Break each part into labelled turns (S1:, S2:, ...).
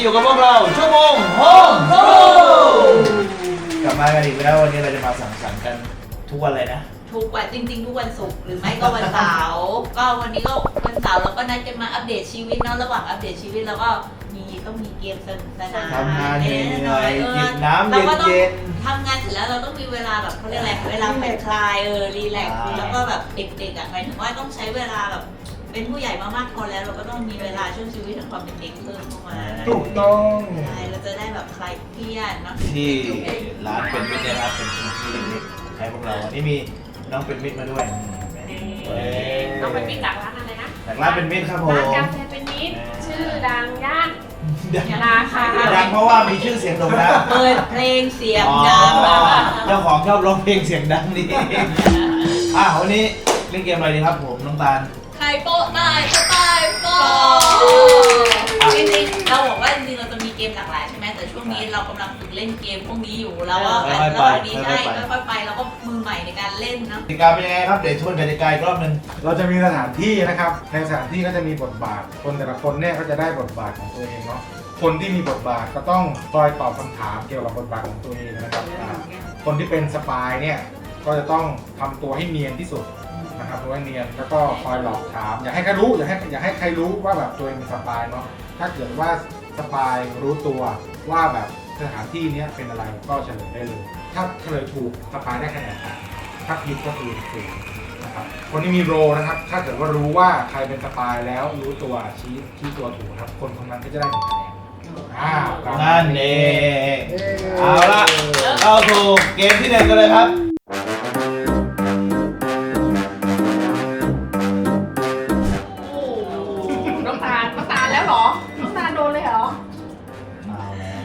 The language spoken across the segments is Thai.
S1: อยู่กับพวกเราชั่วโมงโฮมโปรกลับมากันอีกแล้ววันนี้เราจะมาสังสรรค์กันทุกวันเลยนะ
S2: ทุกวันจริงๆทุกวันศุกร์หรือไม่ก็วันเสาร์ก็วันนี้ก็วันเสาร์เราก็นัดกันมาอัปเดตชีวิตเนาะระหว่างอัปเดตชีวิตแล้วก็ต้องมีเกมสนุกสนาน
S1: ทำงานเหนื่อยๆจิบน้ำเย็น
S2: ๆทำงานเสร็จแล้วเราต้องมีเวลาแบบเขาเรียกอะไรเวลาผ่อนคลายรีแลกซ์แล้วก็แบบเด็กๆหมายถึงว่าต้องใช้เวลาแบบเป็นผู้ใหญ่มามากพอแล้วเราก็ต้องมีเวลาช่วงชีวิตของความเป็นเด็กเพิ่มเข้ามา
S3: ถูกต้อง
S2: ใช่เราจะได้แบบคลายเครียดเนาะ
S1: ที่ร้านเป็นมิตรนะครับเป็นพื้นที่เล็กๆให้พวกเราวันนี้มีน้องเป็นมิตรมาด้วย
S4: น้องเป็นมิตรจากร้านอะไรนะ
S1: จากร้านเป็นมิตรครับผม
S4: ร้านกาแฟเป็นมิตรชื่อดังย่านยาลาค่ะ
S1: ดังเพราะว่ามีชื่อเสียงโด่งดัง
S2: เปิดเพลงเสียงดัง
S1: เจ้าของชอบร้องเพลงเสียงดังนี่วันนี้เล่นเกมอะไรดีครับผมน้องตาล
S2: ใครโป๊ะตายก็ตายโป๊ะจริงๆเราบอกว่าจริงๆเราจะมีเกมหลากหลายใช่ไหมแต่ช่วงนี้เรากำลังฝึกเล่นเกมพวกนี้อยู่แล้วก็ระหว่างนี้ใช่ค่อยๆไปแล้วก็มือใหม่ในการเล่นนะ
S1: กติกาเป็นยังไงครับเดี๋ยวชวนกติกาอีกรอบนึง
S3: เราจะมีสถานที่นะครับในสถานที่ก็จะมีบทบาทคนแต่ละคนเนี่ยก็จะได้บทบาทของตัวเองเนาะคนที่มีบทบาทก็ต้องคอยตอบคำถามเกี่ยวกับบทบาทของตัวเองนะครับคนที่เป็นสปายเนี่ยก็จะต้องทำตัวให้เนียนที่สุดนะครับตัวให้เนียนแล้วก็คอยหลอกถามอย่าให้ใครรู้อย่าให้ใครรู้ว่าแบบตัวเองเป็นสปายเนาะถ้าเกิดว่าสปายรู้ตัวว่าแบบสถานที่นี้เป็นอะไรก็เฉลยได้เลยถ้าเฉลยถูกสปายได้คะแนนถ้าผิดก็คือถูกนะครับคนที่มีโรนะครับถ้าเกิดว่ารู้ว่าใครเป็นสปายแล้วรู้ตัวชี้ตัวถูกนะครับคนคนนั้นก็จะได้1คะแนน
S1: นั่นเองเอาละเข้าสู่เกมที่1กันเลยครับ
S4: น้องตาลแล้วเหรอน้องตาลโดนเลยเหรอ
S1: เอาแล้ว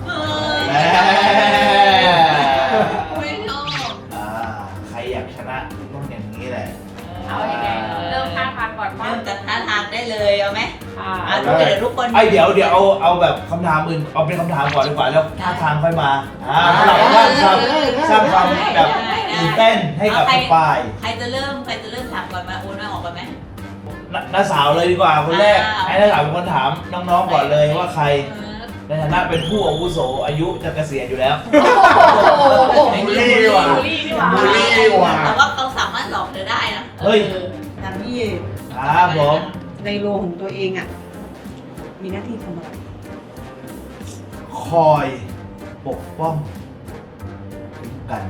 S2: ไม่ชอบ
S1: ใครอยากชนะต้องอย่างนี้แหละ
S4: เอาอย่างไงเริ่มท่าทางก่อน
S2: เริ่มจากท่าทางได้เลยเอาไหมทุกคน
S1: เดี๋ยวเอาแบบคำถามอื่นเอาเป็นคำถามก่อนดีกว่าแล้วท่าทางค่อยมาเราสร้างความแบบตื่นเต้นให้กับฝ่าย
S2: ใครจะเริ่มถามก่อนมาโอนมาออกก่อนไหม
S1: น้าสาวเลยดีกว่าคนแรกให้น้าสาวเป็นคนถามน้องๆก่อนเลยว่าใครในฐานะเป็นผู้อาวุโสอายุจะเกษียณอยู่แล้ว
S3: บูลลี่ดีกว่า
S2: แต่ว่าเขาสามารถหลอกเธอได้นะ
S1: เฮ้ย
S5: ดังนี้
S1: ผม
S5: ในโลของตัวเองอ่ะมีหน้าที่ทำอะไร
S1: คอยปกป้องกัน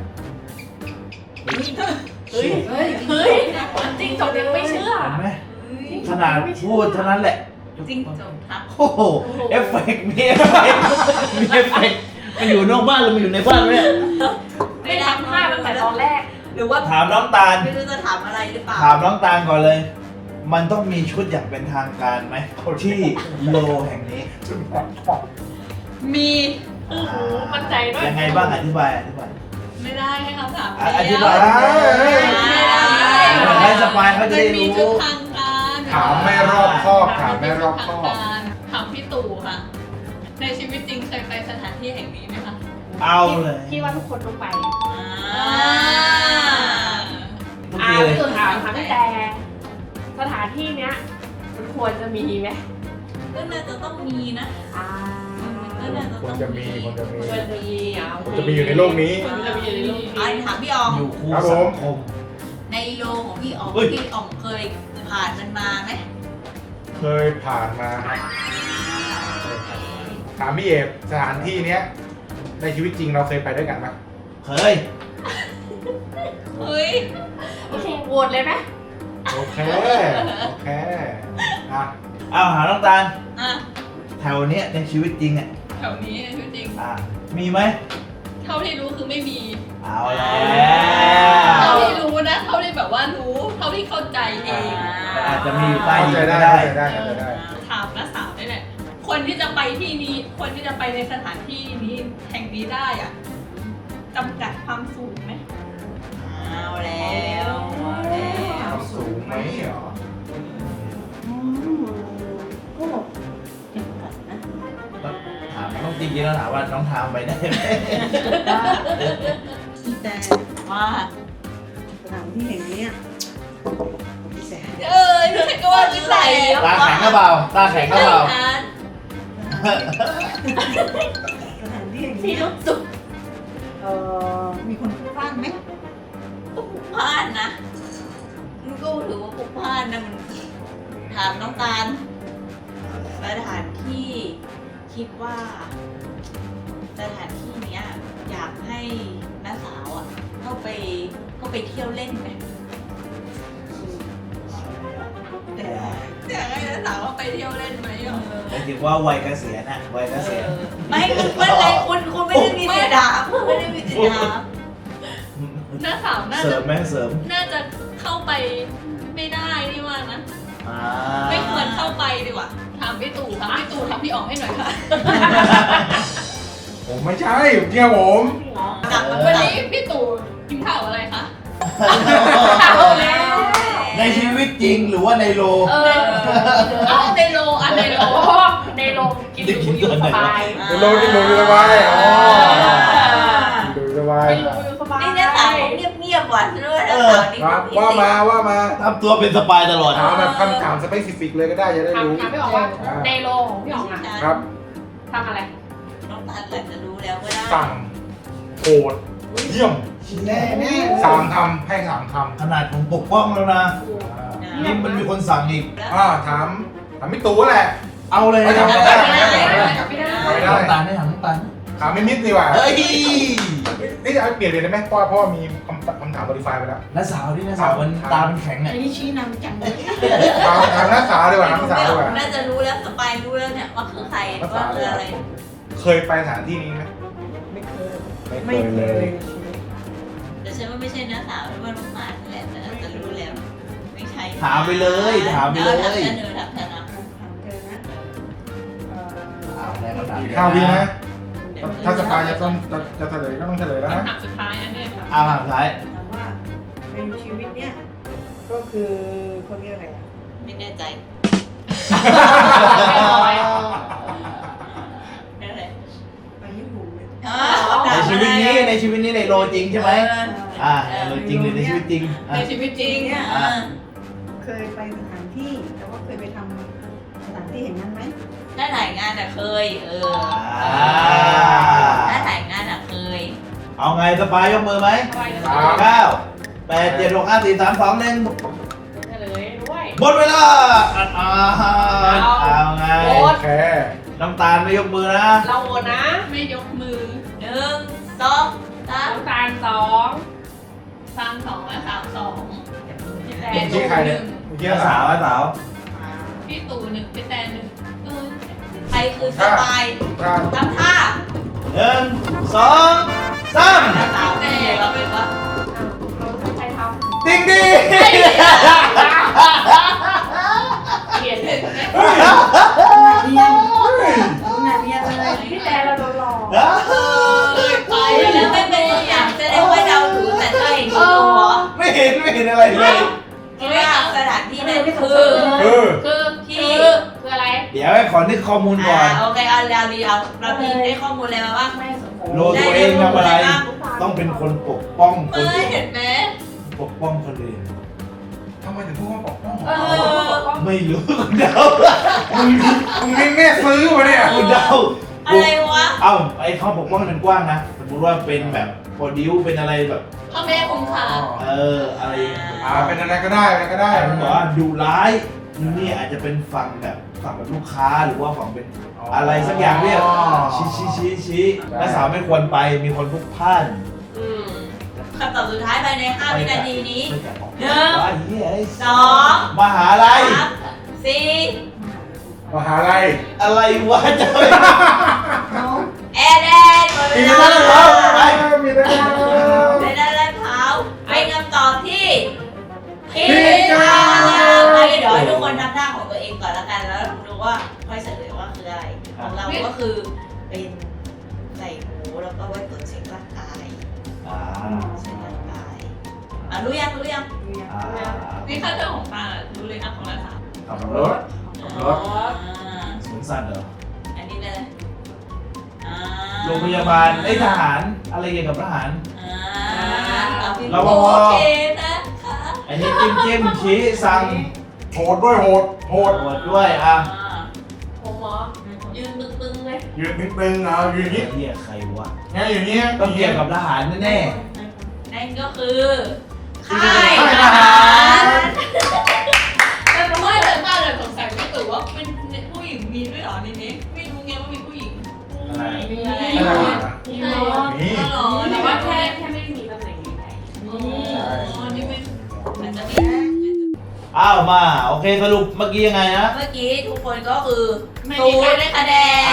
S4: เฮ้ยจริงจบยังไม่เชื่อ
S1: เห็นไหมขนาดพูดเท่านั้นแหละ
S2: จริงจบครับ
S1: โอ้โหเอฟเฟกต์มีเอฟเฟกต์มันอยู่นอกบ้านหรือมันอยู่ในบ้านเนี่ย
S4: ไม่ทำท่าตั้งแต่ตอนแรก
S2: หรือว่า
S1: ถามน้องตาล
S2: ไม่รู้จะถามอะไรหรือเปล่า
S1: ถามน้องตาลก่อนเลยมันต้องมีชุดอย่างเป็นทางการไหมที่โลแห่งนี้
S2: มี
S4: มั่นใจด้วย
S1: ยังไงบ้างอธิบาย
S2: ไม่ได้ให้คำถาม
S1: อธิบายให้สปายเขาจะได้รู้
S3: ถามไม่รอบคอบถามไม่รอบคอบ
S2: ถามพี่ตู่ค่ะในชีวิตจริงเคยไปสถานที่แห่งนี้ไหมคะ
S1: เอาเลย
S4: พี่ว่าทุกคนต้องไป
S1: พี่
S4: ตู่ถามแต่สถานที่เนี้ยมันควรจะมีไหม
S2: ก็น่าจะต้องมีนะ
S3: ควรจะมี
S4: อยู่
S3: ในโลกนี้
S2: ถามพี่ออง
S1: อยู่คู่สังคม
S2: ในโลของพี่อองเคยผ่านมันมาไหม
S3: เคยผ่านมาครับถามพี่เอฟสถานที่เนี้ยในชีวิตจริงเราเคยไปด้วยกันไหม
S1: เคย
S4: โอเคโหวตเลยไหม
S3: โอเค
S1: หาน้องตาลแถวเนี้ยในชีวิตจริงอ่ะ
S2: แถวนี้ในชีวิตจริง
S1: มีไหม
S2: เท่าที่รู้คือไม่มี
S1: เอาแล้ว
S2: เท่าที่รู้นะเท่าที่แบบว่ารู้เท่าที่เข้าใจเอง
S1: อาจจะมีใต้ดินก็
S3: ได้
S2: ถามน้าสาวได้แหละคนที่จะไปที่นี้คนที่จะไปในสถานที่นี้แห่งนี้ได้อ่ะจำกัดความสูงไหมเอาแล้ว
S3: ความสูงไหมเหรอ
S5: ก็จำกัดนะ
S1: ถามต้องจริงๆแล้วถามว่าน้องทามไปได้ไหม
S5: แต่
S2: ว่า
S5: สถานที่แห่งนี้
S2: พี่แสนไม่ใช่ก็ว่าพี่ใส่
S1: ตาแข็งก็เบา
S5: สถานที่อย่าง
S2: ที่
S5: นี้
S2: รู้สึก
S5: มีคนพลุกพล่านไหม
S2: พลุกพล่านนะมันก็ถือว่าพลุกพล่านนะมันถามน้องตาลสถานที่คิดว่าสถานที่เนี้ยอยากให้น้าสาวอ่ะเข้าไปเที่ยวเล่นไหมอยากให้น้าสาวเข้าไปเที่ยวเล่นไหมอ่ะ
S1: หมายถึงว่าวัยเกษียณอะวัยเกษียณ
S2: ไม่คุณไม่เลยคุณไม่ได้มีสิทธิ์ถามคุณไม่ได้มีสิทธิ์ถาม
S6: หน้าสาวน่า
S1: เสริ
S6: จะ
S1: มไหมเสริม
S6: น่าจะเข้าไปไม่ได้นี่ว่านะ
S1: อ่า
S6: ไม่ควรเข้าไปดีกว่าถามพี่ตู่ถามพี่อ๋องให้หน่อยค่ะ
S3: ผมไม่ใช่ผมเชื่อผม
S2: กลับมา
S6: วัน
S2: ไหน
S6: นี้พี่ตู่กินข้าวอะไรคะ
S1: ในชีวิตจริงหรือว่าในโล
S6: เอาในโลอันในโล
S4: ในโรงกินอยู่สบาย
S3: เดี๋ยวโลกินโลสบายอ๋อดูสบาย
S4: ไม่รู้อยู่สบาย
S2: นี่น้าสาวเงียบๆหวานด้วยน้าสาวนี่
S3: ครับว่ามา
S1: ทำตัวเป็นสปายตลอด
S3: ถามแบบคำถามสเปซิฟิกเลยก็ได้จะได้รู้
S4: ถามพี่อ๋องว่าในโรงของพี่อ๋องอะ
S3: ครับ
S4: ทำอะไร
S2: น้องตาลอาจจะรู้แล้วก็ได้
S3: สั่งโหดเยี่ยม
S5: แน่แน่
S3: สามคำให้สามคำ
S1: ขนาดผมปกป้องแล้วนะ นี่มันมีคนสั่งอีก
S3: ถามพี่ตู่แหละ
S1: เอาเลย
S3: ไม่
S1: นะ
S3: ทำไม่ได้
S4: ไม่ได้
S3: ไม่ได้
S1: น้ำตาลให้ถามน้ำตาล
S3: ถามไม่มิดดีกว่า
S1: เฮ้ย
S3: นี่จะเอาเปลี่ยนเลยได้ไหมเพราะว่ามีคำถามโมดิฟายไปแล้ว
S1: น้าสาวที่น้าสาวมันตามันแข็งอ่ะ
S5: อันนี้ชี้นำจังเลย
S3: ถามนักศึกษาดีกว่านักศึกษาดีกว่า
S2: น่าจะรู้แล้วสปายรู้แล้วเนี่ยว่าคือใครว่าคืออะไร
S3: เคยไปสถานที่นี้ไหม
S5: ไม่เคย
S3: ไม่เคยเลย
S2: แต่ฉันว่าไม่ใช่น้าสาวว่าน้องตาลนี่แหละแต่น่าจะรู้แล้วไม่ใช่
S1: ถามไปเลยถามไปเลย
S2: ถามฉันถามฉันนะ
S5: ถามเธอนะ
S1: เอาแล้วก็ถาม
S3: ข้าวพี่นะ ถ้าสปายจะต้องจะเฉลยก็ต้องเฉลยแล้วนะ
S6: คำถามสุดท้ายอันนี้ค่ะ
S1: เอาถามท้าย
S5: ถามว่าในชีวิตเนี้ยก็คือเขาเรียกอะไรอ่ะ
S2: ไม่แน่ใจนั่นแหละ
S5: ไปญี่ปุ่นเลย
S1: ในชีวิตนี้ในโลจริงใช่ไหมในโลจริงหรือในชีวิตจริง
S6: ในชีวิตจริง
S2: เนี่ย
S5: เคยไปสถานที่แต่ว่าเคยไปทำสถานที่เห็นนั้นไหม
S2: ถ้าถ่ายงานอะเคยถ้าถ่ายงานอะเคย
S1: เอาไงสปายยกมือไหม 9 8 7 6 5 4 3 2 1
S4: เฉลยด้วย
S1: หมดเวลาเอาไง
S3: โอเค
S1: น้ำตาลไม่ยกมือนะ
S4: เราโหวตนะ
S6: ไม่ยกมือ
S2: 1 2 3
S4: น้ำตาล2
S6: 32และ32
S4: พี่แต
S3: เมื่อกี้ใครเนี่ยเมื่อกี้
S1: สาวสาว
S6: พี่ตู่1พี่แตน1
S2: ใครคือสปาย
S3: ถ้า
S2: ทำท่า
S1: 1 2 3
S2: สาวแน่เราเป็นว่า
S4: เราใครท
S1: ติ๊งดิ
S4: ำเขียนเลย
S5: เรียนคุณน่ะเรียนเลย
S4: พี่แตนเราโดนหลอก
S2: ไปแล้วไม่เป็นอย่างจะได้ว่าเดาถูกแต่ถ้าเห็นที่ตัว
S1: ไม่เห็นอะไรเลย
S2: คิดว่าสถานที่นั้นคือ
S4: คือ
S2: ที่
S4: คืออะไร
S1: เดี๋ยวให้ขอนึกข้อมูลก่อน
S2: โอเคเอาแล้วดีเอาเราพี่ได้ข้อมูลอะไรมาบ้าง
S4: แม่สมโภ
S1: โลตัวเองทำอะไร ต้องเป็นคนปกป้องคน
S2: ไม่
S1: อื่น
S2: เห็นไหม
S1: ปกป้องคนอื่น
S3: ทำไมถึงพูดว่าปกป้อง
S1: ไม่รู้คุณเดา
S3: มึงนี่แม่ซื้อวะเนี่ย
S1: คุณเดา
S2: อะไรวะ
S1: เอ้าไอ้ข้อปกป้องมันกว้างนะสมมติว่าเป็นแบบโปรดิวเป็นอะไรแบบ
S6: พ่อแม่คุ้มค่า
S1: อะไร
S3: เป็นอะไรก็ได้อะไรก็ได้
S1: ผมบอกว่าดุร้ายนี่อาจจะเป็นฝั่งแบบลูกค้าหรือว่าฝั่งเป็นอะไรสักอย่างเรียกชี้และสาวไม่ควรไปมีคนพลุกพล่าน
S2: คำตอบสุดท้ายภายใน5 วินาทีนี้
S1: ว่าเฮ้ย
S2: 2
S1: มหาลัย
S2: 3 4
S3: มหาลัย
S1: อะไรวะจะไป
S5: น้อง
S2: แอดหมดเว
S1: ปี
S2: ลา
S1: นั้นแล้วไป
S3: มีได้
S2: เป็นอะไรเผาเป็นคำตอบที่ผิดค่ะไปเดี๋ยวให้ทุกคนทำหน้าของตัวเองก่อนแล้วกันแล้วดูว่าค่อยเฉลยว่าคืออะไรของเราก็คือเป็นใส่หูแล้วก็ไว้ตรวจเช็คร่างกาย เช็คร่างกายรู้ยัง
S6: นี่ค่าเทอมของตารู้เลยนะของเราค่ะ
S1: ขับ
S3: ร
S1: ร
S3: ถ
S1: ถสวนสัตว์เหรอ
S2: อันนี้เลย
S1: โรงพยาบาลทหารอะไรเกี่ยวกับทหาร
S2: เราโอเคนะคะ
S1: อันนี้จิ้มชี้สั่ง
S3: โหดด้วยโหด
S1: โหดด้วยอ่ะ
S4: ผมเหรอ
S2: ยืนปึ้ง
S3: ยืนตึงๆเอาอยู่อย่างนี้
S1: เรียกใครวะ
S3: ไงอยู่อย่างนี้
S1: ต้องเกี่ยวกับทหารแน่
S2: นั่นก็คือค่าย
S3: ค่าย
S2: ท
S3: ทหา
S2: หาร ร
S6: แต่ผมว่าเลยป้าเลยสงสัยพี่ตู่ว่าเป็นผู้หญิงมีด้วยเหรอในนี้ไม่รู้ไงว่ามีผู้หญิง
S1: ๆอะไร
S4: มีอะไร
S3: อะไรวะ
S4: มีอะไร
S3: นี่
S6: อ๋อ
S4: แต่
S6: แต่
S4: ว่า
S6: ว่า
S4: แค่
S6: แค่
S4: แค่ไม่มีตำแหน่งนี้แหละ
S6: อ๋อนี่ไม่
S2: มันจะมี
S1: อ้าวมาโอเคสรุปเมื่อกี้ยังไงนะ
S2: เมื่อกี้ทุกคนก็คือศูนย์ได้คะแนน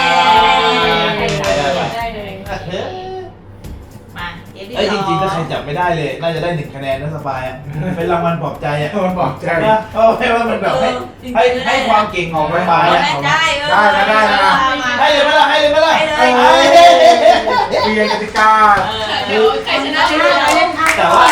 S4: ได้เลย
S2: มาเกมที่
S1: เอ้ย
S2: ส
S1: จ
S2: อง
S1: ริงๆถ้าใครจับไม่ได้เลย น่าจะได้1 คะแนนนะสบายอ่ะเป็นรางวัลปลอบใจอ่ะ
S3: มันบอกใจ
S1: นะเพราะว่ามันแบบให้ความเก่งของสบายอ่ะ
S2: ได้เออ
S3: ได้
S1: ให้เลยไหมล่ะให้เลยไหมล่ะ
S2: ให้เลย
S3: เปลี่ยนกติกา
S6: เดี๋ยวใครชนะชนะ
S1: แต่ว่า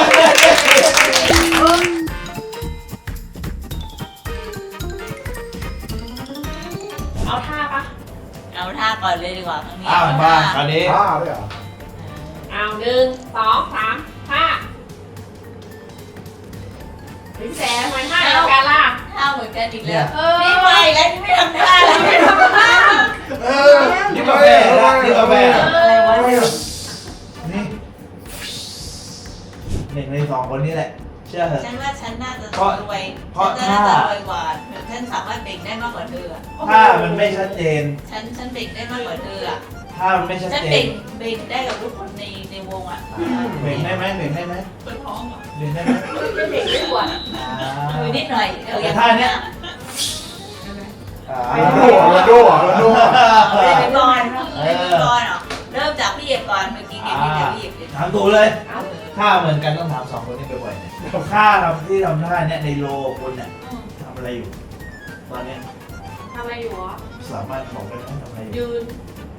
S4: เอาท่าปะ
S2: เอาท่าก่อนเลยดีกว่าครั้งนี้
S1: อ้าวมาคราวนี้
S3: บ้าด้วยเหรอ
S4: เอา1 2 3ท่าถึงแสทำไมท่าเดียวกันล่ะ
S2: ท่าเหมือนกันอีกแล้ว
S4: เออ
S2: นี่ไปแล้วนี่ไม่ทำท่าแล้วไม่ทำท่า
S3: เออ
S1: นี่กาแฟนะนี่กาแฟ
S2: อะไรวะเนี่ย
S1: นี่1 ใน 2 คนนี้แหละ เชื่อเถอะ
S2: ฉันว่าฉันน่าจะ
S1: เพราะ
S2: รวย
S1: เพราะ
S2: ฉันน่าจะรวยกว่าฉันสามารถเบ่งได้มากกว่าเธออะ
S1: ถ้ามันไม่ชัดเจน
S2: ฉันเบ่งได้มากกว่าเธออ่ะ
S1: ถ้ามันไม่ชัด
S2: ฉัน
S1: เจ
S2: เบ่
S1: น
S2: งได้กับทุกคนในวงอ่ะ
S1: เบ่งได้ไหมเบ่งได้ไหม
S6: เปิดท้องเหรอ
S1: เบ่งได้ไหม
S4: ไม่เด็กไม่ปวด
S2: มือนิดหน่อยเอออย่าง
S1: แต่ท่าเนี้ย
S3: โรนัลโดเหรอ
S2: เล่นไปก่อนเล่นไปก่อนเหรอเริ่มจากพี่เอกก่อนเมื่อกี้เกมนี้จากพี่เอกเลย
S1: ถามถูกเลย
S2: เอา
S1: ถ้าเหมือนกันต้องถาม2 คนนี้บ่อยๆเนี่ยถ้าทำที่ทำท่าเนี่ยในโลคุณเนี่ยทำอะไรอยู่ ตอนเนี้ย
S4: ทำอะไรอยู่วะ
S1: สามารถบอกได้ไหมทำอะไรอยู่
S6: ยืน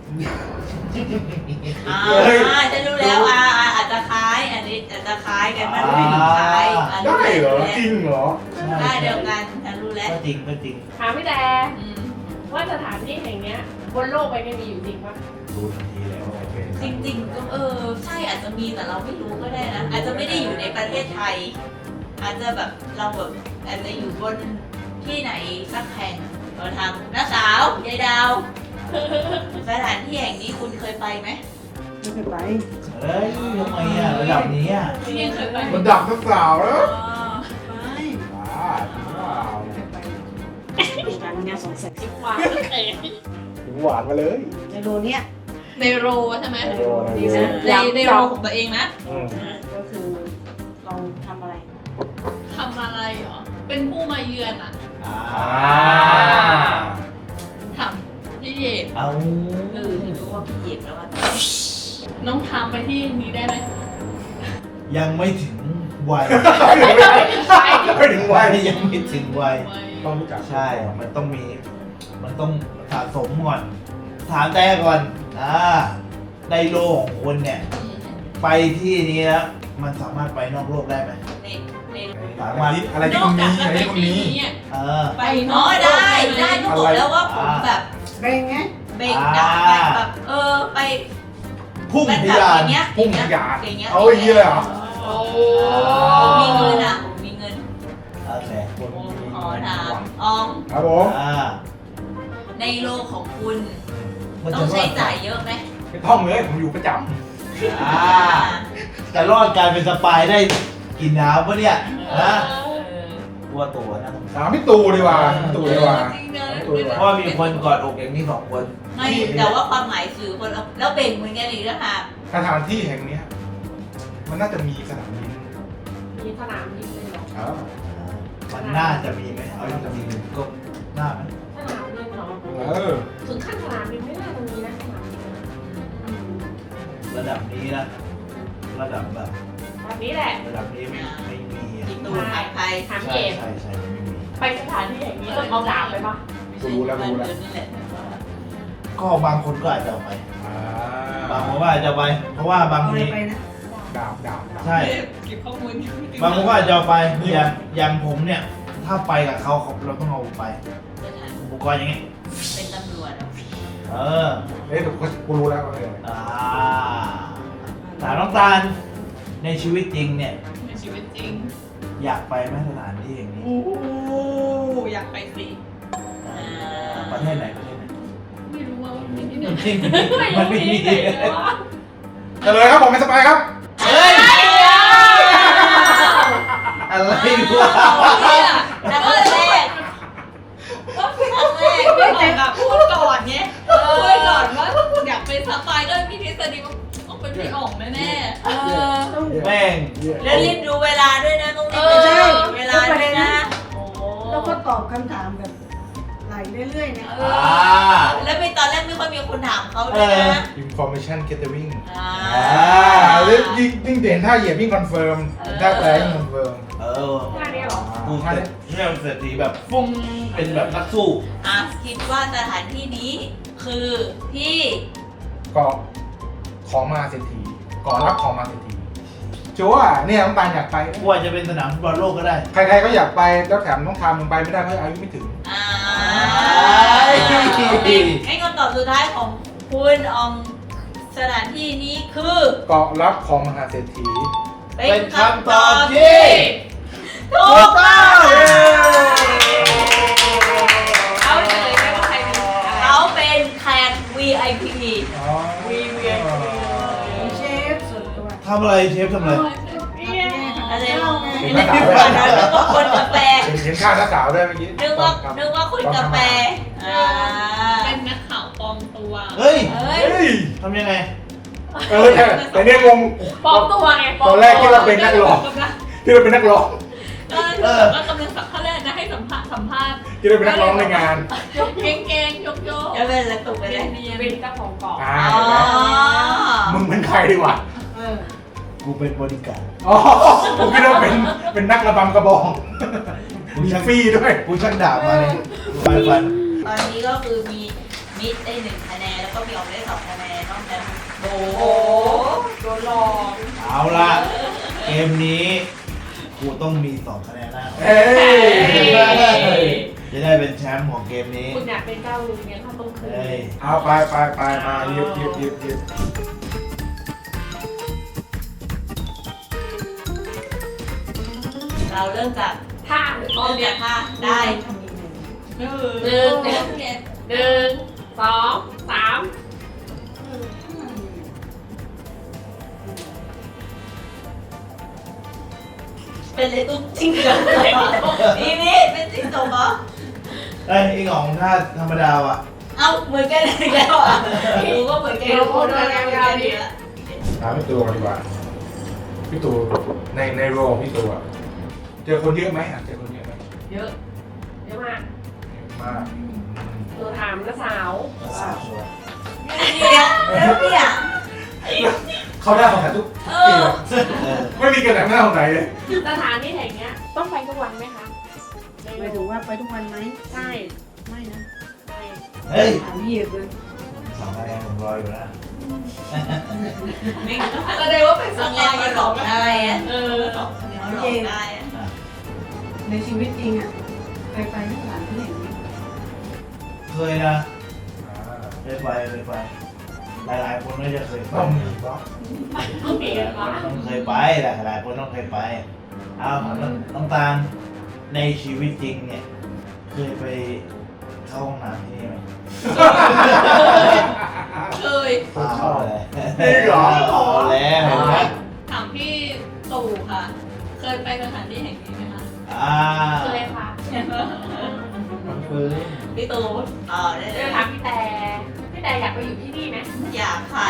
S2: ฉันรู้แล้วอาจจะคล้ายอันนี้อาจจะคล้ายกันมันไม่ถึงคล้ายอันนี้
S3: ได้เหรอจริงเหรอ
S2: ได้เดียวกันฉันรู้แล้ว
S1: ก็จริงก็จริง
S4: ถามพี่แต่
S2: อืม
S4: ว่าสถานที่แห่งเนี้ยบนโลกใบนี้มีอยู่จริงปะ
S1: รู้ทันทีแล้วว่าโอเค
S2: จริงๆก็ใช่อาจจะมีแต่เราไม่รู้ก็ได้นะอาจจะไม่ได้อยู่ในประเทศไทย อาจจะแบบเราแบบอาจจะอยู่บนที่ไหนสักแห่งเราทำน้าสาวยายดาวสถานที่แห่งนี้คุณเคยไปไหม
S5: ไม่เคยไป
S1: เฮ้ยทำไมอ่ะระดับนี้อ่ะ
S6: พี่ยังเคยไป
S3: มันดับนักสาวแล้ว
S2: ไป
S3: บ้าจริงเปล่า
S5: ไม่เคยไปดูการงานสงสัย
S4: จิบวางเตะ
S3: ถึงหวานมาเลย
S5: ในโรเนี้ย
S6: ในโรใช่ไหม
S3: ในโร
S6: ในโรของตัวเองนะ
S5: ก็คือเราทำอะไร
S6: ทำอะไรเหรอเป็นผู้มาเยือนอ่ะ
S1: อ่า
S6: ทำพี่เยด
S1: เอา
S2: ที่รู้ว่าพี่เอกแล้วว่า
S6: น้องทำไปที่นี้ได้ไหม
S1: ยังไม่ถึงวัย
S3: ไม่ถึงวัย
S1: ยังไม่ถึงวัย
S3: ต้องรู้จัก
S1: ใช่ มันต้องสะสมก่อน ถามแต่ก่อนในโลกของคุณเนี่ย ไปที่นี้แล้ว มันสามารถไปนอกโลกได้ไหม
S2: ใน
S1: สามารถ
S3: อะไรที่คนนี้อะไรที่คนนี้
S6: อ่ะ
S1: เออ
S2: ไปได้ก็บอกแล้วว่าผมแบบ
S5: เบ่งไง
S2: เบ่งได้แบบไป
S1: พุ่ง
S2: แบบ
S1: ทะยาน
S2: อย่างเงี้ย
S3: พุ่งทะยาน
S2: อย่างเงี้ย
S3: เอาอย่างนี้เลยเหรอ
S4: โอ้
S2: ผมมีเงินอ่ะผมมีเงิน
S1: โอเค
S2: ขอถามออง
S3: ครับผม
S2: ในโลกของคุณ
S1: มัน
S2: ต้
S1: จะ
S2: อง
S1: รอ
S2: ใช้
S1: ด
S2: จ่ายเยอะไหม
S3: ไม่ต้องเลยผมอยู่ประจ
S1: จะรอดการเป็นสปายได้กี่น้ำวะเนี่ยนะกลัวตัวนะ
S3: ำถามพี่ตูดีกว่าพี่ตูดีกว่า
S6: จริงนะ
S1: เพราะว่ามีคนกอดอกอย่างนี้2 คน
S2: ไม่แต่ว่าความหมายคือคนแล้วเบ่งเหมือนกันอีกแล้วค่ะ
S3: สถานที่แห่งเนี้ยมันน่าจะมีสนามบิน
S4: มีสนามบินเลยเหรอ
S3: ครับ
S1: มันน่าจะมีไหมเอาจริงๆก็น่าไหม
S4: สนามบินเหรอ ถึงขั้นสนามบินไม่น่าจะมีนะสนามบินอืม
S1: ระดับนี้นะระดับแบบ
S4: แบบนี้แหละ
S1: ระดับนี้ไม่มีอ่ะ
S2: กินตูนไทยไทย
S4: ถามพี่
S1: ใช่
S4: เอก
S1: ใช่ไม่มี
S4: ไปสถานที่อย่างนี้ต้องเอาดาบไปปะ
S2: นี่แหละ
S1: ก็บางคนก็อาจจะเอาไป
S3: อ่า
S1: บางคนก็อาจจะไป เพราะว่าบาง
S5: เอาอะไร
S1: ที
S5: ไปนะ
S3: ดาบดาบ
S1: ใช่
S6: เก็บข้อมูล
S1: บางคนก็อาจจะเอาไปอย่างผมเนี่ย ถ้าไปกับเขาเราต้องเอาไปอุปกรณ์อย่างเงี้ย
S2: เป็นตำรวจ
S1: เออ
S3: เฮ้ยกูรู้แล้วเลย
S1: ถามน้องตาลในชีวิตจริงเนี่ย
S6: ในชีวิตจริง
S1: อยากไปไหมสถานที่อย่างนี้
S6: โอ้โหอยากไปสิ
S1: ประเทศไหนประเทศไหน
S6: ไม่รู้ว่า
S1: มันไม่มี
S3: เฉลยครับผมเป็นสปายครับ
S1: เฮ้ยอะไรวะ
S2: แล้วก็แรก
S6: ก็คือครั้งแรกไม่บอกแบบพูดก่อนไงพูดก่อนว่าอยากเป็นสปายก็มีทฤษฎีว่าต้องเป็นพี่อ๋องแน่
S5: ต้อง
S1: แม่ง
S2: แล้วรีบดูเวลาด้วยนะตรงนี้เวลาด้วยนะโอ้
S5: แล้วก็ตอบคำถามแบบไหลเรื่อยๆนะ
S2: แล้วไปตอนแรกไม่ค่อยมีคนถามเขาด้วยนะ
S3: information gathering
S2: อ่า
S3: แล้วยิ่งเด่นถ้าเหยียบยิ่งคอนเฟิร์มถ้าแปลยิ่งคอนเฟิร์ม
S4: ท่านี้เหรอ
S1: กูแค่เนี่ยเศรษฐีแบบฟุ้งเป็นแบบนักสู้
S2: คิดว่าสถานที่นี้คือที่
S3: เกาะของมหาเศรษฐีเกาะรับของมหาเศรษฐีชัวร์เนี่ยน้ำตาลอยากไป
S1: กูอาจจะเป็นสนามฟุตบอลโลกก็ได้
S3: ใครๆก็อยากไปแล้วแถมต้องทำมันไปไม่ได้เพราะอายุไม่ถึง
S2: ให้คำตอบสุดท้ายของคุณอองสถานที่นี้คือ
S3: เกาะรับของมหาเศรษฐี
S1: เป็นคำตอบที่
S2: ถูกต้อง
S6: ๆเอาเฉลยได้ว่าใครเป็น
S2: เขาเป็นแขก VIP
S5: เชฟส่วนตัว
S1: ทำอะไรเชฟทำอะไร
S2: อะไร
S5: เจ้าไง
S2: นึกว่าคนกาแฟ
S3: เห็นข้าวหน้าสาวด้วยเมื่อกี้
S2: นึกว่าคนกาแฟ
S6: เป็นนักข่าวปลอมตัว
S1: เฮ้ย
S2: เฮ้ย
S3: เฮ้ย
S1: ทำยังไง
S3: แต่เนี่ยงง
S6: ปลอมตัวไง
S3: ตอนแรกคิดว่าเป็นนักร้อง ที่เราเป็นนักร้อง
S6: ก็กำลังสัมภาษณ์นะให้สัมภาษณ์
S3: ที่เราเป็นนักร้องในงาน
S6: ยกเก่งๆยก
S2: จะเป็นอะไรตุกไปเลย
S4: เป็นเจ้าของเกาะ
S3: อ่า
S2: อ๋อ
S3: เห็นไหมมึงเป็นใครดีกว่า
S5: เออ
S1: กูเป็นบริการ
S3: อ๋อผมคิดว่าเป็นนักระบำกระบองมีฟรีด้วย
S1: กูช่างด่ามาเลยฟัน
S2: ตอนนี้ก็คือมีมิดได้1 คะแนนแล้วก็มีออกได้2 คะแนนนอกจากโบ
S4: โดนหลอก
S1: เอาละเกมนี้กูต้องมี2 คะแนนแล้ว
S3: เอ้ย
S1: จะได้เป็นแชมป์ของเกมนี้
S4: คุณอยากเป็นเจ้าลุงเนี่ยถ้าต้องคืน
S1: เฮ้ย
S3: เอาไปมาหยิบ
S2: เราเริ่มจาก
S4: ท่าหรือต้
S2: เริ่
S4: น
S2: ม
S4: เนี่
S2: จาย กท่าได้
S5: ทำยังไง
S6: หนึ่ง
S4: 1 2 3
S2: เป็นเลยตุ้งจริงจังนี่เป็นจริงจงเหรอ
S1: เอ้ยไอ้ของท่าธรรมดาว่ะ
S2: เอ้าเหมือนกันอีกแล้วอ่ะดูก็เหมือนกันทุกคนด้วยกันดี
S3: ถามพี่ตูก่อนดีกว่าพี่ตูในโรของพี่ตูอะเจอคนเยอะไหมอ่ะเจอคนเยอะไหม
S4: เยอะเยอะมาก
S3: มาก
S4: หนูถามน้าสาว
S1: สาวชัวร์
S2: เนี่ยแล้วเนี่ย
S3: เขาได้ของขายทุกปีเลย
S1: เออ
S3: ไม่มีกระดาษหน้าของไหนเลย
S4: สถานที่แห่งเนี้ยต้องไปทุกวันไหมคะ
S5: หมายถึงว่าไปทุกวันไหม
S4: ใช่
S5: ไม่นะ
S4: ใช่
S1: เฮ้ย
S5: ถามเหยียบเลย
S1: 2 คะแนนผมรออยู่นะ
S6: แสดงว่าเป็นส
S2: ต้อง
S6: ปา
S2: เล่น
S6: ย
S2: ที่หลอกได้อะ
S6: เออ
S2: หลอกได้อะ
S5: ในชีวิตจริงอ่ะเคยไปที่สถานที่แห่งนี้
S1: เคยนะเคยไปหลายๆคนไม่จะเคยไป
S3: ต้องมีก็
S4: ต้องมี
S1: หลายค
S4: วะ
S1: นต้องเคยไปหลายคนต้องเคยไปเอาน้ำตาลในชีวิตจริงเนี่ยเคยไปเข้าห้องน้ำที่นี่ไหม
S6: เคย
S1: เอาเลย
S3: นี่เหรอ
S1: เอาแล้วเห็นไหม
S6: ถามพี่ตู่ค่ะ เคยไปสถานที่แห่งนี้ไหมคะ
S4: เคยค่ะ
S1: มันคือ
S2: พี่ตูนได้เล
S4: เจอย ถามพี่แต่อยากไปอยู่ที่นี่ไหม
S2: อยากค่ะ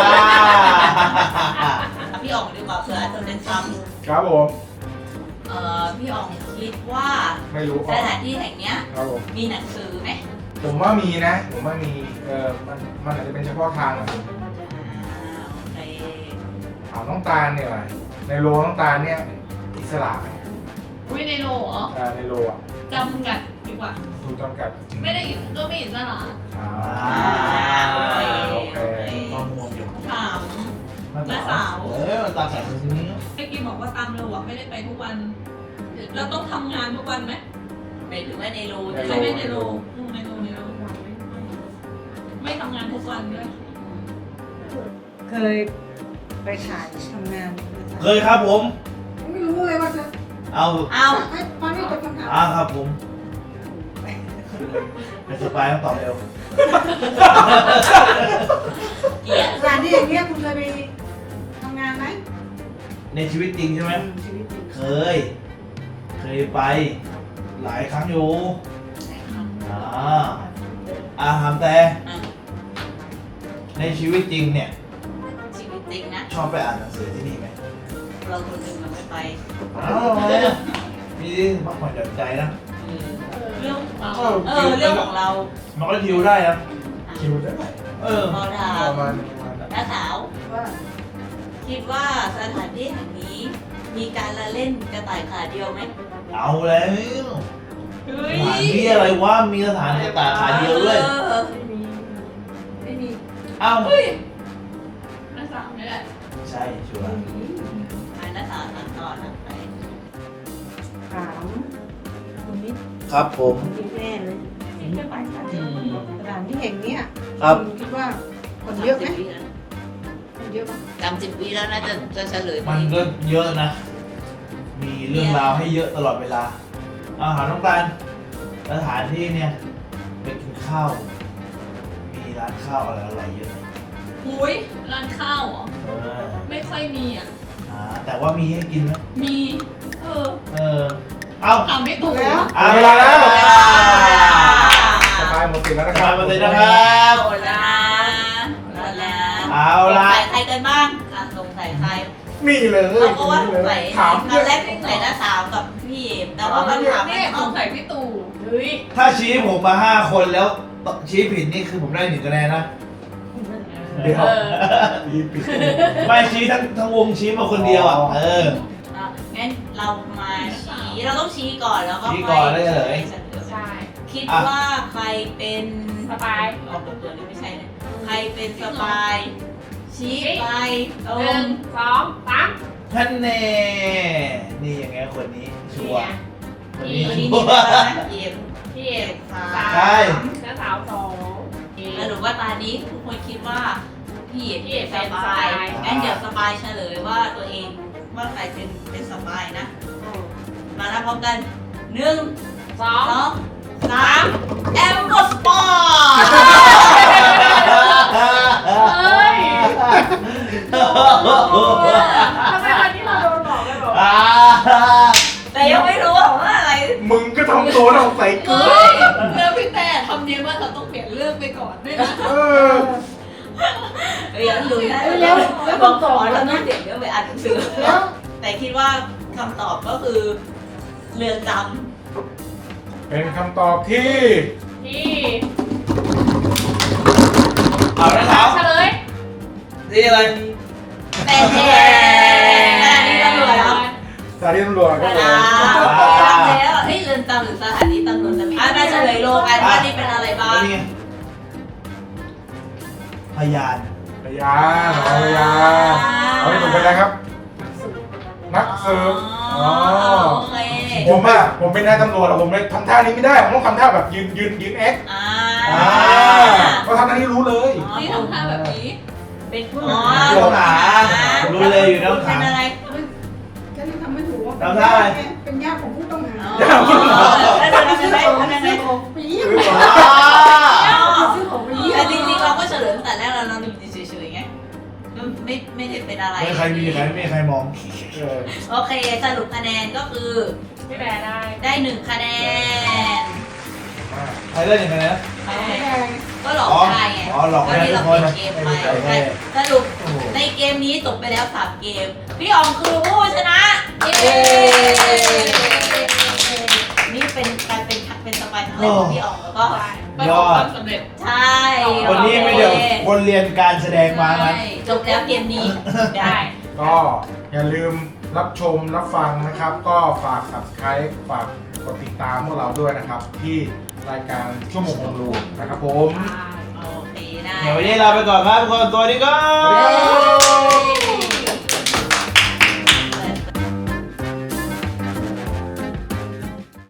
S2: พี่อ๋องดีกว่าเผื่ออาจจะเป็นซ้
S3: ครับผม
S2: ำพี่อ๋องคิดว่า
S3: ไม่รู้
S2: สถานที่แห่งเนี้ย
S3: ครับผม
S2: มีหนังสือไหม
S3: ผมว่ามีนะผมว่ามีมันอาจจะเป็นเฉพาะทางอะ
S2: โอเค
S3: ถามน้องตาลเนี่ยว่ะในโรน้องตาลเนี่ยอิสระไหม
S6: วิในโลเหรอ
S3: ในโรอ่ะ
S6: จำกัดดีกว่า
S3: ถูกจำกัด
S6: ไม่ได้ก็ไม่อิสระ
S3: อ่า
S2: โอ
S3: โอ
S2: เค
S3: เค
S1: ข้อมูลอยู่
S6: ถาม
S1: มันตาแข็งตรงนี้
S6: เมื่อกี้บอกว่าตามเราอะไม่ได้ไปทุกวัน เราต้องทำงานทุกวันไหม
S2: หมายถึงว่าในรู
S6: ใช่ไหมในโลในโลไม่ทำงานทุกวันด้วย
S5: เคยไปถ่ายทำงาน
S1: เคยครับผม
S5: ไม่รู้เลยว่าจะ
S1: เอา
S2: เอา
S5: ตอนนี้จะคำถาม
S1: ครับผมเป็นสปายต้องตอบเร็ว
S5: เ
S2: เกลียด
S5: สถานที่อย่างเงี้ยคุณเคยไปทำงานไหม
S1: ในชีวิตจริงใช่ไหม
S5: ชีวิตจริง
S1: เคยไปหลายครั้งอยู่ถามแต่ในชีวิตจริงเนี่ย
S2: ชีวิตจริงนะ
S1: ชอบไปอ่านหนังสือที่นี่ไหม
S2: เราคนหนึ่งเราไม่ไป
S1: มีพักผ่อนหย่อนใจนะ
S2: เรื่องเรื่องของเรา
S1: มันก็ทิวได้นะ
S3: คิวได้ไหม
S2: พอถา
S3: ป
S2: ม
S3: ระมาณ
S2: น้าสาว
S5: ว่า
S2: คิดว่าสถานที่แห่งนี้ มีการละเล่นกระต่ายขาเดียวไหม
S1: เอาแล้ว
S6: เฮ้
S1: ส
S6: ย
S1: ถานที่อะไรวะมีสถานกระต่ายขาเดียวด้วย
S5: ไม่มี
S1: เอ้า
S6: เฮ้ยน้าสาวนี่แหละ
S1: ใช่ชัวร์
S2: น้าสาวถามต่อนะไป
S5: ถามคุณนิด
S1: ครับผม
S5: กินแน่เลยสถานที่แห่งเนี้ย
S1: ครับ
S5: ณคิดว่าคนเยอะไหมคนเยอะไหม
S2: 30 ปีแล้วนะจะเฉลย
S1: มันก็เยอะนะ มีเรื่องราวให้เยอะตลอดเวลาอาหารต้องการสถานที่เนี่ยไปกินข้าว มีร้านข้าวอะไรเยอะ
S6: หุยร้านข้าวเหรอ
S1: เออ
S6: ไม่ค่อยมีอ่ะ
S1: แต่ว่ามีให้กินไหม
S6: มี
S1: เออ เอ้า
S6: ถามไม่ถูก
S5: แล้ว
S1: เวลาแล้ว
S3: สบายหมดสิทธิ์แล้วนะค
S1: มา
S3: รับ
S1: หมดเลยนะครับ
S2: โอ้ละแล้ว
S1: เอาละ
S2: สงสัยใครกันบ้างสงสัยใคร
S3: นี่เลย
S2: เราก็ว่าสงสัย
S3: ถาม
S2: ตอนแรกสงสัยน้าสาวกับพี่เอมแต่ว่าคำถาม
S6: นี่
S2: ไม่
S6: ส
S2: ตรง
S6: งสัยพี่ตู่เฮ้ย
S1: ถ้าชี้ผมมา 5 คนแล้วชี้ผิดนี่คือผมได้1คะแนนนะ
S3: เดี๋ยว
S6: เออ
S3: รีบปิด
S1: ไม่ชี้ทั้งวงชี้มาคนเดียวอ่ะ เออ
S2: งั้นเรามาชี้เราต้องชี้ก่อนแล้วก็
S1: ชี้ก่อนแล้วเฉลย
S6: ใช่
S2: คิดว่าใครเป็น
S6: สบาย
S2: ออกตัวนี้ไม่ใช่นะใครเป็นสปายชี้ไปตร
S6: หนึ่
S2: ง
S6: งสองสาม
S1: ท่านแน่นี่ยังไงคนนี้ชัวร์คนนี้
S2: วัน
S1: ชั
S2: นี้
S1: ว
S2: มี
S1: ร์
S2: เวลานะเอม
S6: พี่เอก
S2: สา
S6: สาม
S1: ใช่
S6: น้าสาวสอง
S2: สรุปว่าตอนนี้ทุกคนคิดว่าพี่เอก
S6: พี่เอก
S2: เป็นสปาย
S6: เป็นสปาย
S2: งั้นเดี๋ยวสปายเฉลยว่าตัวเองว่าใครเป็นสปายนะ มานับพร้อมกัน1
S6: สอง
S2: 2 3แอมกดสปอร์
S6: เฮ้ยทำไมวันนี้เราโดนหลอกเลยบอก
S2: แต่ยังไม่รู้ว่าอะไร
S3: มึงก็ทำตัวเราใส่เกลื
S6: เฮ้
S3: อย
S6: แล้วพี่แต่ทำเนียนว่าเราต้องเปลี่ยนเรื่องไปก่อนด้วยนะ
S3: เออ
S2: ยังรู้นะ
S5: แล้ว
S2: บอกก่อนเราต้องเปลี่ยนเรื่องไปอ่านหนังสือ
S5: แล้ว
S2: แต่คิดว่าคำตอบก็คือเรือนจ
S3: เป็นคำตอบที่
S6: พี่
S1: เอาละครับ
S6: เฉลย
S1: นี่อะไร
S2: ำแต่แน่อันนี้ตำรวจแล้ว
S3: สถานีตำรวจครับผม
S2: แล้วเฮ้ยเรือนจำหรือสถานีตำรวจจะมีน่าเฉลยโลกันว่านี่เป็นอะไรบ้าง
S1: นี่พยาน
S3: พยานพยานเอาให้ถูกไปแล้วครับ นักสืบ
S2: อ๋อโอเค
S3: ผมเป็นนายตำรวจอะผมเลยทำท่านี้ไม่ได้ ผมต้องทำท่าแบบยืนแอค
S2: อ่า
S3: เขาทำท่านี้รู้เลย
S6: นี่ทำท่าแบบนี้
S2: เป็นผู้
S1: ผู้ต้องหารู้เลยอยู่ในห้องขั
S2: เป็
S1: ง
S2: นอะไร
S5: ฉันยังทำไม่ถูกว่า
S1: ทำได้
S5: เป็นญาติของผู้ต้องหา
S2: แล้วจะทำยังไงทำยังไง
S5: ไปเยี่ยม ซื้อของไปเยี่ย
S2: แต่
S5: ม
S2: จริงๆเราก็เฉลยตั้งแต่แรกเราอยู่เฉยๆไงไม่ได้เป็นอะไร
S1: ไม่มีใครมอง
S2: โอเคสรุปคะแนนก็คือ
S6: ไม่แบได้
S2: ได้1 คะแนน
S1: ใครเล่นยังไงนะ
S2: ก็หลอกได้ไง
S1: อ๋อหลอกได้
S2: ที่เรา
S1: ทุกคน
S2: เกมไป
S1: โอเค
S2: สรุป
S1: โอ้โห
S2: ในเกมนี้จบไปแล้ว3 เกม พี่อองคือผู้ชนะเย้นี่เป็นการเป็นสปายครั้งแรกของพี่อองแล้วก็
S6: ประสบความสำเร็จ
S2: ใช่
S1: วันนี้ไม่เดี๋ยวคนเรียนการแสดงมานะ
S2: ใช่จบแล้วเกมนี้
S6: ได้
S3: ก็อย่าลืมรับชมรับฟังนะครับ ก็ฝาก subscribe ฝากกดติดตามพวกเราด้วยนะครับ ที่รายการชั่วโมงของลูนะครับผม
S2: โอเคได้
S1: เดี๋ยววันนี้ลาไปก่อนครับทุกคนสวัสดีครับ